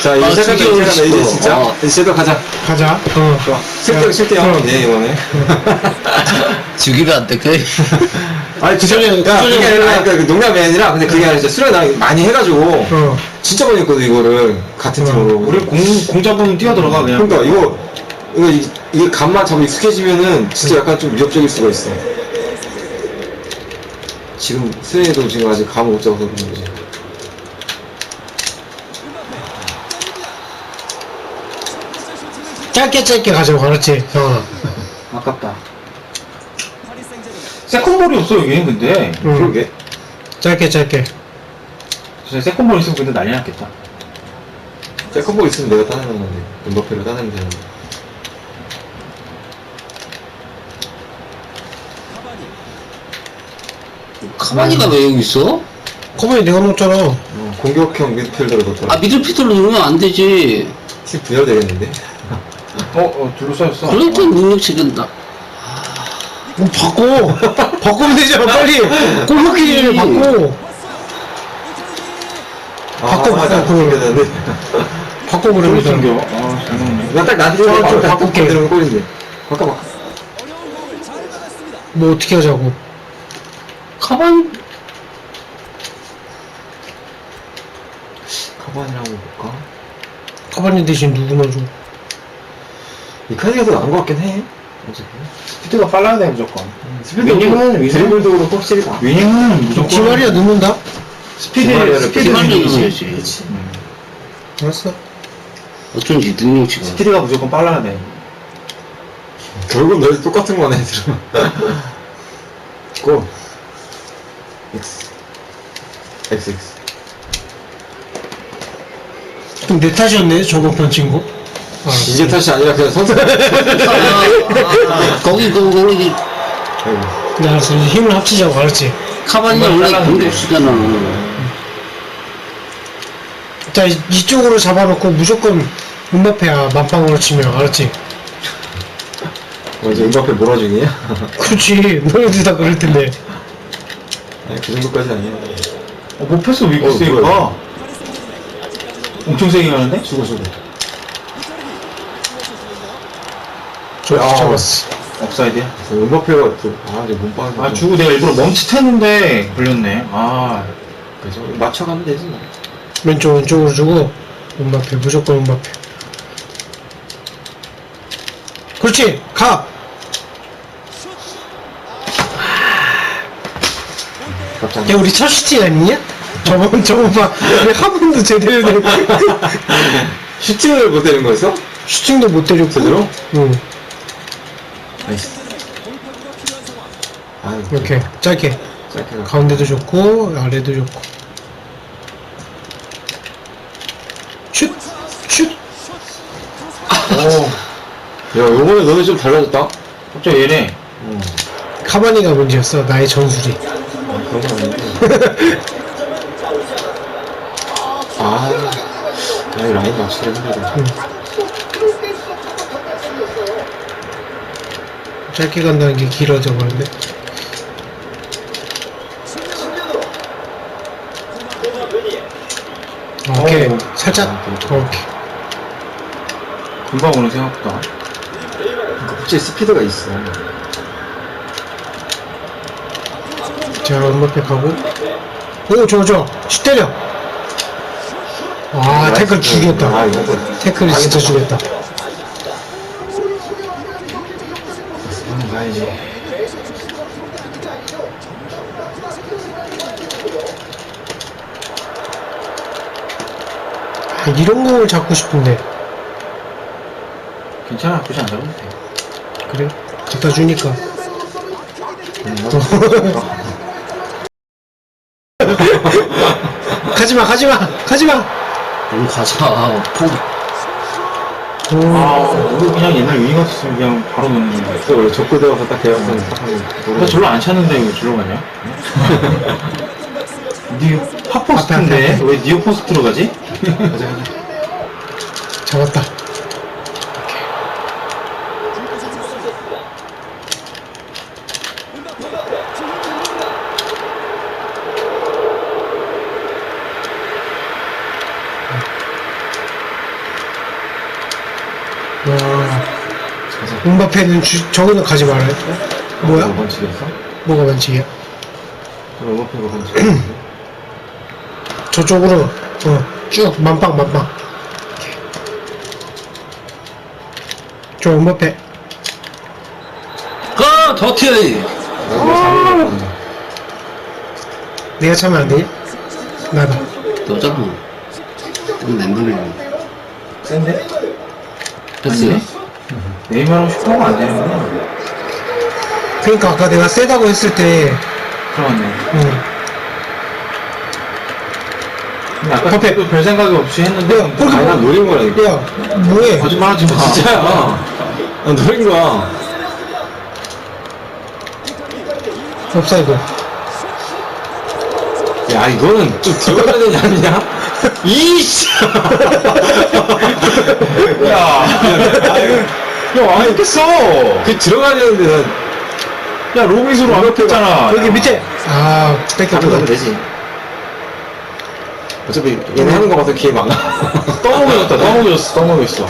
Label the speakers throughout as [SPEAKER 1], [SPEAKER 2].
[SPEAKER 1] 자, 이제 시작하자, 이제 진짜.
[SPEAKER 2] 어.
[SPEAKER 1] 이제 또 가자.
[SPEAKER 3] 가자.
[SPEAKER 1] 좋아. 실대 영이네, 이번에.
[SPEAKER 2] 죽이면 안 돼, 그.
[SPEAKER 1] 아니,
[SPEAKER 3] 그 전에,
[SPEAKER 1] 야, 그게 아니라, 그러니까 농담이 아니라, 근데 그게 아니라, 진짜 수련 나 많이 해가지고, 진짜 많이 했거든, 이거를. 같은 팀으로.
[SPEAKER 4] 우리 공 잡으면 뛰어들어가, 그냥.
[SPEAKER 1] 그러니까, 이게 감만 잡으면 익숙해지면은, 진짜 약간 좀 위협적일 수가 있어. 지금, 수련이도 지금 아직 감을 못 잡아서 그런 거지.
[SPEAKER 3] 짧게 가자고, 그렇지, 형아.
[SPEAKER 4] 아깝다. 세컨볼이 없어, 여기는 근데.
[SPEAKER 1] 그러게.
[SPEAKER 3] 짧게.
[SPEAKER 4] 진짜 세컨볼 있으면 근데 난리 났겠다.
[SPEAKER 1] 세컨볼 있으면 내가 따내는 건데. 음바페를 따내면 되는데.
[SPEAKER 2] 카바니가 왜 여기 있어?
[SPEAKER 3] 커버니 내가 먹잖아.
[SPEAKER 1] 공격형 미드필더를 넣었더라.
[SPEAKER 2] 아, 미들피터로 누르면 안 되지.
[SPEAKER 1] 팀 분열되겠는데?
[SPEAKER 4] 둘러싸였어.
[SPEAKER 2] 블랙턴 능력치는 나.
[SPEAKER 3] 뭐, 바꾸면 되잖아, 빨리. 골키를 바꿔.
[SPEAKER 1] 맞아.
[SPEAKER 3] 바꿔.
[SPEAKER 1] 되는데.
[SPEAKER 3] 바꿔,
[SPEAKER 4] 둘
[SPEAKER 3] 그러면.
[SPEAKER 4] 숨겨. 아, 잘 먹네.
[SPEAKER 1] 나딱 나한테
[SPEAKER 3] 좀
[SPEAKER 1] 바꿔
[SPEAKER 3] 바꿀게.
[SPEAKER 1] 들으면 꼴인데. 바꿔.
[SPEAKER 3] 뭐, 어떻게 하자고.
[SPEAKER 2] 카바니?
[SPEAKER 1] 카바니랑 한번 볼까?
[SPEAKER 3] 커버니 대신 누구 넣어줘?
[SPEAKER 1] 이카디가 더 나은 것 같긴 해. 어차피.
[SPEAKER 4] 스피드가 빨라야 돼, 무조건.
[SPEAKER 1] 스피드는 드리블도 그렇고 확실히 나.
[SPEAKER 4] 위닝은 무조건.
[SPEAKER 3] 디마리아 넣는다?
[SPEAKER 1] 디마리아를
[SPEAKER 2] 디마리아를
[SPEAKER 4] 이기지.
[SPEAKER 2] 넣어야지.
[SPEAKER 3] 알았어.
[SPEAKER 2] 어쩐지 능력치가.
[SPEAKER 4] 스피드가 무조건 빨라야 돼.
[SPEAKER 1] 결국 너희 똑같은 거네, 들으면. 고. X.
[SPEAKER 3] 그럼 내 탓이었네, 저번 편 친구.
[SPEAKER 1] 이제 탓이 아니라 그냥 선수.
[SPEAKER 2] 거기.
[SPEAKER 1] 아이고.
[SPEAKER 3] 네, 알았어. 이제 힘을 합치자고, 알았지?
[SPEAKER 2] 카바니가 원래 공격수잖아.
[SPEAKER 3] 자, 이쪽으로 잡아놓고 무조건 음바페야, 만빵으로 치면, 알았지?
[SPEAKER 1] 이제 음바페 몰아주기야?
[SPEAKER 3] 그렇지. 너희들 다 그럴 텐데.
[SPEAKER 1] 아니, 그 정도까지 아니야.
[SPEAKER 4] 못 패스 왜 이렇게
[SPEAKER 1] 뭐야.
[SPEAKER 4] 세니까? 엄청 세게 가는데?
[SPEAKER 1] 수고.
[SPEAKER 3] 좋아, 잡았어.
[SPEAKER 4] 업사이드야?
[SPEAKER 1] 음바페가 또, 이제 몸빵.
[SPEAKER 4] 아, 주고 내가 일부러 멈칫했는데 걸렸네. 아,
[SPEAKER 1] 그죠? 맞춰가면 되지, 뭐.
[SPEAKER 3] 왼쪽으로 주고, 음바페, 무조건 음바페. 그렇지! 가!
[SPEAKER 1] 갑자기.
[SPEAKER 3] 야, 우리 첫 슈팅 아니냐? 저번 봐. 우리 한 번도 제대로 된
[SPEAKER 1] 슈팅을 못 때린 거였어?
[SPEAKER 3] 슈팅도 못 때렸고.
[SPEAKER 1] 제대로?
[SPEAKER 3] 응.
[SPEAKER 1] 나이스.
[SPEAKER 3] 이렇게, 짧게.
[SPEAKER 1] 짧게 가.
[SPEAKER 3] 가운데도 좋고, 아래도 좋고. 슛!
[SPEAKER 1] 야, 요번에 너네 좀 달라졌다?
[SPEAKER 4] 갑자기 얘네.
[SPEAKER 3] 카바니가 문제였어, 나의 전술이.
[SPEAKER 1] 그런 건 아닌데. 이 라인 맞추기 힘들다.
[SPEAKER 3] 짧게 간다는 게 길어져 버렸네. 오케이. 살짝. 오케이.
[SPEAKER 4] 금방 오는 생각보다.
[SPEAKER 1] 확실히 스피드가 있어.
[SPEAKER 3] 자, 음바페 가고. 오, 좋아. 슛 때려. 태클 죽였다.
[SPEAKER 1] 이거.
[SPEAKER 3] 태클이 진짜 죽였다.
[SPEAKER 1] 가야지.
[SPEAKER 3] 이런 공을 잡고 싶은데.
[SPEAKER 4] 괜찮아, 굳이 안 잡아도 돼.
[SPEAKER 3] 그래? 갖다 주니까. 가지마!
[SPEAKER 2] 그럼 가자. 포기.
[SPEAKER 4] 우리 그냥 옛날 위닝 같았으면 그냥 바로 넣는 거야.
[SPEAKER 1] 또 원래 적고 들어가서 딱 계약서는 딱 하고.
[SPEAKER 4] 나 절로 안 찼는데 왜 절로 가냐? 니 팝포스트인데
[SPEAKER 3] 앞에.
[SPEAKER 4] 왜 니오 포스트로 가지?
[SPEAKER 1] 가자.
[SPEAKER 3] 잡았다. 음바페는 저기는 가지 말아요. 뭐야?
[SPEAKER 1] 번칙이었어?
[SPEAKER 3] 뭐가 반칙이야?
[SPEAKER 1] 음바페가 번칙이었어?
[SPEAKER 3] 저쪽으로 쭉 만빵. 저 음바페.
[SPEAKER 2] 더티!
[SPEAKER 3] 내가 차면 안 되냐? 나다.
[SPEAKER 2] 너잖아. 좀 멘붕이야.
[SPEAKER 4] 센데?
[SPEAKER 2] 됐어요?
[SPEAKER 4] 네이마르 슈퍼가 안 되는구나.
[SPEAKER 3] 그러니까 아까 내가 세다고 했을 때,
[SPEAKER 4] 그러네.
[SPEAKER 3] 응.
[SPEAKER 4] 아까 퍼펙트 별 생각이 없이 했는데.
[SPEAKER 3] 그렇게
[SPEAKER 1] 아니 난 노린 거라니까.
[SPEAKER 3] 야, 뭐해?
[SPEAKER 4] 거짓말 하지 마.
[SPEAKER 1] 진짜야. 난 노린 거야.
[SPEAKER 3] 옵사이드.
[SPEAKER 1] 야 이거는 좀 들어가야 되지 않냐? 이씨.
[SPEAKER 4] 야, 안 했겠어.
[SPEAKER 1] 그 들어가야 되는데 난
[SPEAKER 4] 야, 로비스로 안 했잖아.
[SPEAKER 3] 여기 밑에. 아, 뺏겼구나.
[SPEAKER 1] 가면 되지. 어차피 얘네 하는 거 봐서 기회 많아.
[SPEAKER 4] 떠먹였어.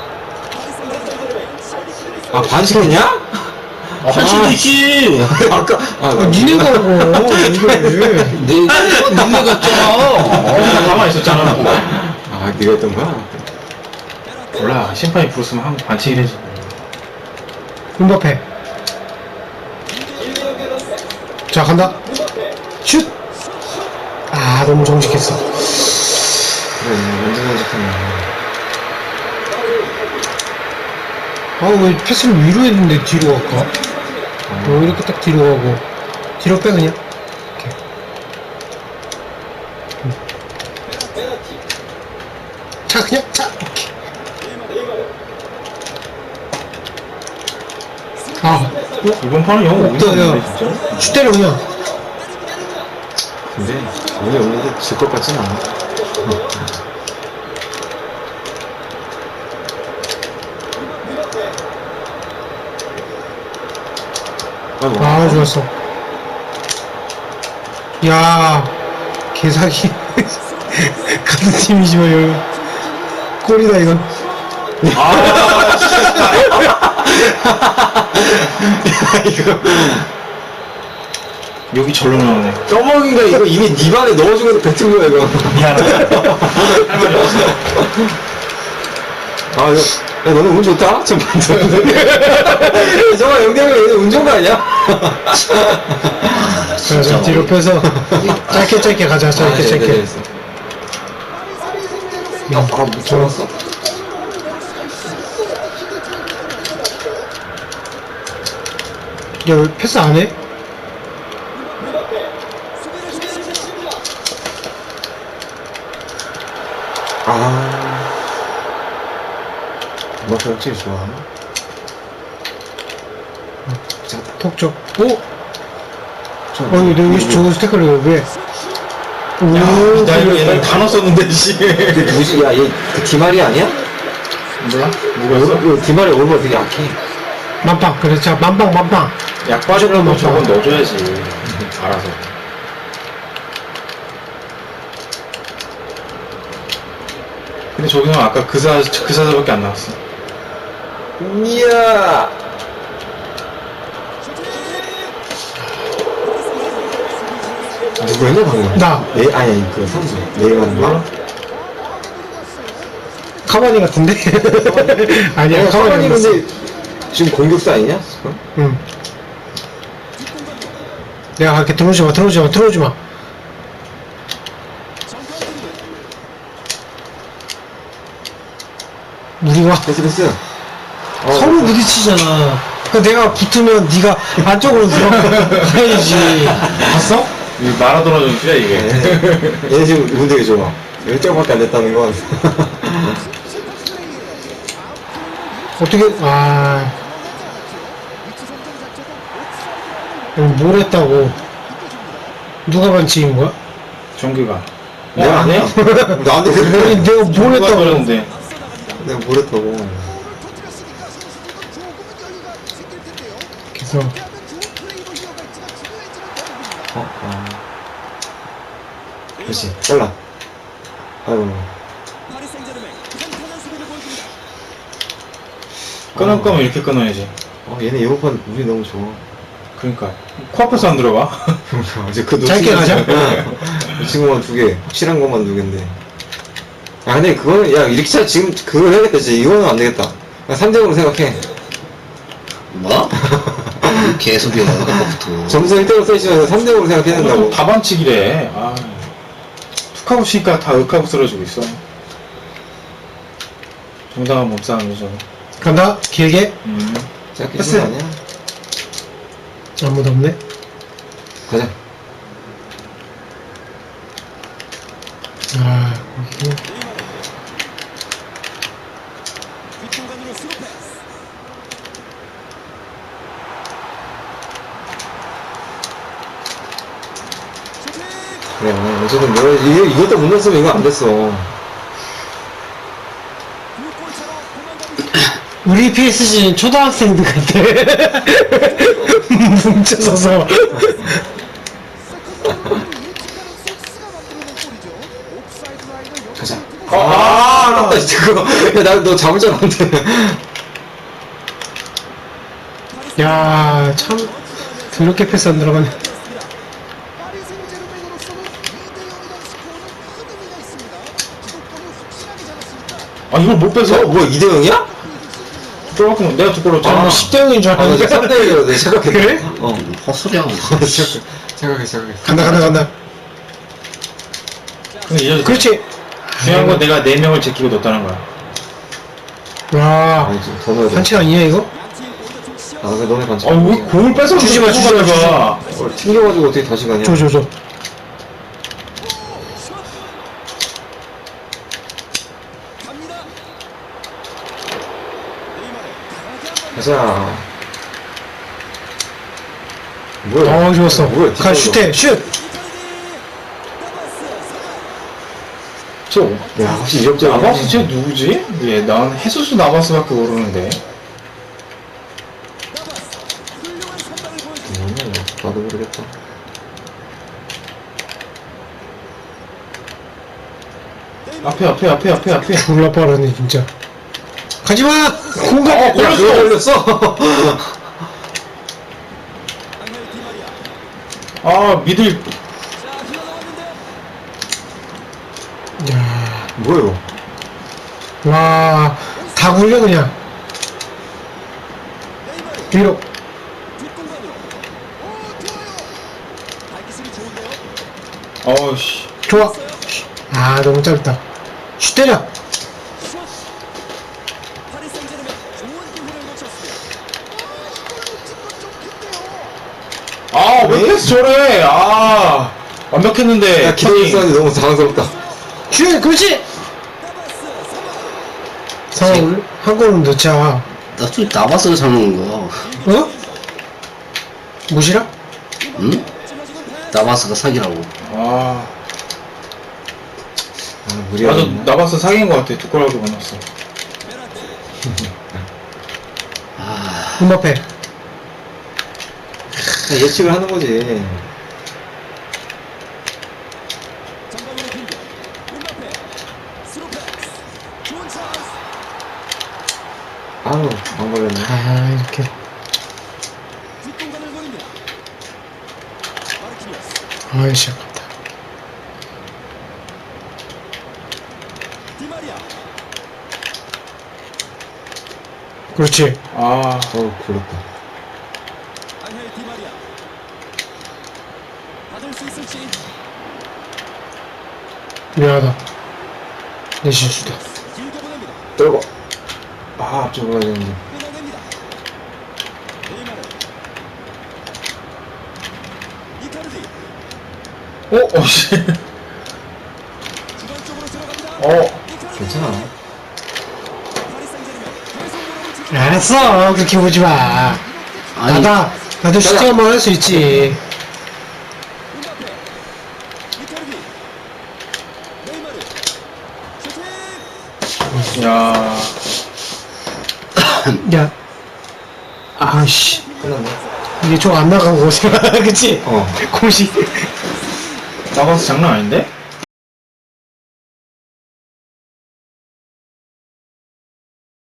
[SPEAKER 1] 아 반칙했냐?
[SPEAKER 2] 할 수도 있지!
[SPEAKER 1] 아까
[SPEAKER 3] 니네가 하고, 이거를.
[SPEAKER 2] 니네가 했잖아!
[SPEAKER 4] 가만히 있었잖아.
[SPEAKER 1] 아 네가 했던 거야?
[SPEAKER 4] 몰라, 심판이 부르스면 한 반칙이래지.
[SPEAKER 3] 음바페. 자, 간다. 슛! 아, 너무 정직했어.
[SPEAKER 1] 그래 완전 정직하네.
[SPEAKER 3] 아, 왜 패스를 위로 했는데 뒤로 갈까? 이렇게 딱 뒤로 가고. 뒤로 빼, 그냥. 이렇게. 자, 그냥, 자! 오케이. 아,
[SPEAKER 4] 이번 판은 영어
[SPEAKER 3] 없다,
[SPEAKER 4] 못하는데,
[SPEAKER 3] 야.
[SPEAKER 4] 진짜.
[SPEAKER 3] 슛 때려, 그냥.
[SPEAKER 1] 근데 오늘 오는데 질 것 같진 않아.
[SPEAKER 3] 아, 좋았어. 야, 개사기. 같은 팀이지만, 여기. 꼴이다, 이건.
[SPEAKER 1] 이거
[SPEAKER 4] 여기 절로 나오네.
[SPEAKER 1] 떠먹인가 이거 이미 네 반에 넣어주면서 뱉은 거야 이거.
[SPEAKER 4] 미안하다. 할 말이 없어.
[SPEAKER 1] 아 이거 야 너는 운 좋다. 좀 반전. 정말 영대형이 얘는 운 좋은 거 아니야?
[SPEAKER 3] 자, 자, 뒤로 빼서. 짧게 가자, 짧게.
[SPEAKER 1] 아 묻혀놨어?
[SPEAKER 3] 야, 왜 패스 안 해?
[SPEAKER 1] 아 음악회 확실히 좋아. 자,
[SPEAKER 3] 톡 오! 아니, 내가 저 스태커를 왜? 오,
[SPEAKER 4] 나 이거 옛날에 다 넣었었는데, 씨.
[SPEAKER 1] 근데 누구지? 야, 얘그 디마리 아니야?
[SPEAKER 4] 몰라? 누가 했어?
[SPEAKER 1] 이거 디마리 얼굴 되게 약해.
[SPEAKER 3] 만빵. 그래, 자, 만빵.
[SPEAKER 4] 약 빠지려면 저건 넣어줘야지. 알아서. 근데 저기는 아까 그 사자밖에 안 나왔어.
[SPEAKER 1] 이야. 누구 했냐 방금?
[SPEAKER 3] 나.
[SPEAKER 1] 아니 그 선수 네이마르인가?
[SPEAKER 3] 카바니 같은데? 아니야,
[SPEAKER 1] 카바니
[SPEAKER 3] 카바니
[SPEAKER 1] 근데
[SPEAKER 3] 근데.
[SPEAKER 1] 지금 공격수 아니냐? 지금?
[SPEAKER 3] 응. 내가 갈게. 들어오지 마. 우리가
[SPEAKER 1] 패스.
[SPEAKER 3] 서로 부딪히잖아. 그러니까 내가 붙으면 네가 안쪽으로 들어가야지. 봤어?
[SPEAKER 4] 이 마라도나 전투야, 이게.
[SPEAKER 1] 얘네 지금 운 되게 좋아. 1점밖에 안 됐다는 건.
[SPEAKER 3] 어떻게, 뭘 했다고. 누가 반칙인 거야?
[SPEAKER 4] 정규가.
[SPEAKER 1] 내가 안 해? 나한테
[SPEAKER 3] 아니,
[SPEAKER 1] 그래.
[SPEAKER 3] 내가 뭘 했다고.
[SPEAKER 4] 그러는데.
[SPEAKER 1] 내가 뭘 했다고.
[SPEAKER 3] 그래서,
[SPEAKER 1] 그렇지. 잘라. 아이고.
[SPEAKER 4] 끊을 거면 이렇게 끊어야지.
[SPEAKER 1] 얘네 이번 판 우리 너무 좋아.
[SPEAKER 4] 그러니까 코앞에서 안 들어가.
[SPEAKER 1] 이제 그
[SPEAKER 3] 짧게 가자.
[SPEAKER 1] 놓친 것만 2개. 확실한 것만 2개인데. 아, 근데 그거는, 야, 이렇게 차 지금 그걸 해야겠다. 진짜 이거는 안 되겠다. 3대0으로 생각해.
[SPEAKER 2] 뭐? 계속이야, 아까부터.
[SPEAKER 1] 점수 1대0으로 써있으면 3대0으로 생각해야 된다고.
[SPEAKER 4] 또 다반칙이래. 아, 툭하고 치니까 다 윽하고 쓰러지고 있어. 정당한 몸싸움이죠.
[SPEAKER 3] 간다. 길게.
[SPEAKER 1] 짧게
[SPEAKER 4] 패스.
[SPEAKER 1] 치는 거 아니야?
[SPEAKER 3] 아무도 없네.
[SPEAKER 1] 가자.
[SPEAKER 3] 아,
[SPEAKER 1] 그래, 어쨌든 이것도 못 넣었으면 이거 안 됐어.
[SPEAKER 3] 우리 PSG는 초등학생들 같아. 뭉쳐서서.
[SPEAKER 1] 가자. 아깝다, 진짜 그거. 야, 너 잡을 줄 알았는데.
[SPEAKER 3] 야, 참, 더럽게 패스 안 들어가네.
[SPEAKER 4] 아, 이걸 못 뺏어?
[SPEAKER 1] 뭐, 2대0이야?
[SPEAKER 4] 쫄았구나. 내가 두골로
[SPEAKER 3] 아,
[SPEAKER 4] 잖아.
[SPEAKER 3] 뭐 10대0인 줄
[SPEAKER 1] 아, 나
[SPEAKER 3] 알았는데.
[SPEAKER 1] 3대1이라고 내가 생각했어.
[SPEAKER 3] 그래?
[SPEAKER 2] 헛소리야.
[SPEAKER 1] 생각했어.
[SPEAKER 3] 간다.
[SPEAKER 4] 근데 이제
[SPEAKER 3] 그렇지.
[SPEAKER 4] 중요한 건 내가 4명을 제끼고 넣었다는 거야.
[SPEAKER 3] 와,
[SPEAKER 1] 아니, 좀 더 넣어야 돼.
[SPEAKER 3] 반칙 아니야, 이거?
[SPEAKER 1] 아, 근데 너네 반칙.
[SPEAKER 4] 아, 왜 공을 뺏어
[SPEAKER 3] 주지 마.
[SPEAKER 1] 튕겨가지고 어떻게 다시 가냐?
[SPEAKER 3] 줘.
[SPEAKER 1] 가자. 뭐야?
[SPEAKER 3] 좋았어.
[SPEAKER 1] 뭐야?
[SPEAKER 3] 가, 슛해, 슛!
[SPEAKER 1] 야, 혹시 이적자
[SPEAKER 4] 나바스 쟤 누구지? 예, 난 해수수 나바스밖에 모르는데.
[SPEAKER 1] 나도 모르겠다.
[SPEAKER 4] 앞에.
[SPEAKER 3] 졸라 빠르네, 진짜. 가지마! 공간!
[SPEAKER 1] 야, 그거 걸렸어.
[SPEAKER 4] 아, 미들.
[SPEAKER 3] 야,
[SPEAKER 1] 뭐예요?
[SPEAKER 3] 와, 다 굴려, 그냥. 뒤로.
[SPEAKER 4] 어우씨.
[SPEAKER 3] 좋아. 아, 너무 짧다. 슛 때려.
[SPEAKER 4] 아, 왜 패스 저래? 아, 완벽했는데.
[SPEAKER 1] 야, 기대고 있었는데 너무 당황스럽다.
[SPEAKER 3] 슛, 그렇지! 상황을 한 골은 넣자.
[SPEAKER 2] 나좀 나바스가 잡는 거야.
[SPEAKER 3] 어? 무시라?
[SPEAKER 2] 응? 나바스가 사기라고.
[SPEAKER 4] 아,
[SPEAKER 1] 무리하게.
[SPEAKER 4] 나도 나바스 사기인 것 같아. 두골하게 만났어.
[SPEAKER 3] 음바페.
[SPEAKER 1] 예측을 하는 거지. 아우, 안 걸렸네.
[SPEAKER 3] 아, 이렇게. 아이씨, 아깝다. 그렇지.
[SPEAKER 4] 아,
[SPEAKER 1] 어우, 굴렀다.
[SPEAKER 3] 미안하다. 내 실수다.
[SPEAKER 1] 떨고. 아, 앞쪽으로 가야 되는데.
[SPEAKER 4] 어씨.
[SPEAKER 1] 괜찮아.
[SPEAKER 3] 알았어. 그렇게 보지 마.
[SPEAKER 2] 아니,
[SPEAKER 3] 나도 슈팅 한번 할 수 있지.
[SPEAKER 4] 야,
[SPEAKER 3] 야. 아씨.
[SPEAKER 1] 끝났네.
[SPEAKER 3] 이게 좀 안 나간 곳이야. 그치?
[SPEAKER 1] 어.
[SPEAKER 3] 공식.
[SPEAKER 4] 나바스 장난 아닌데?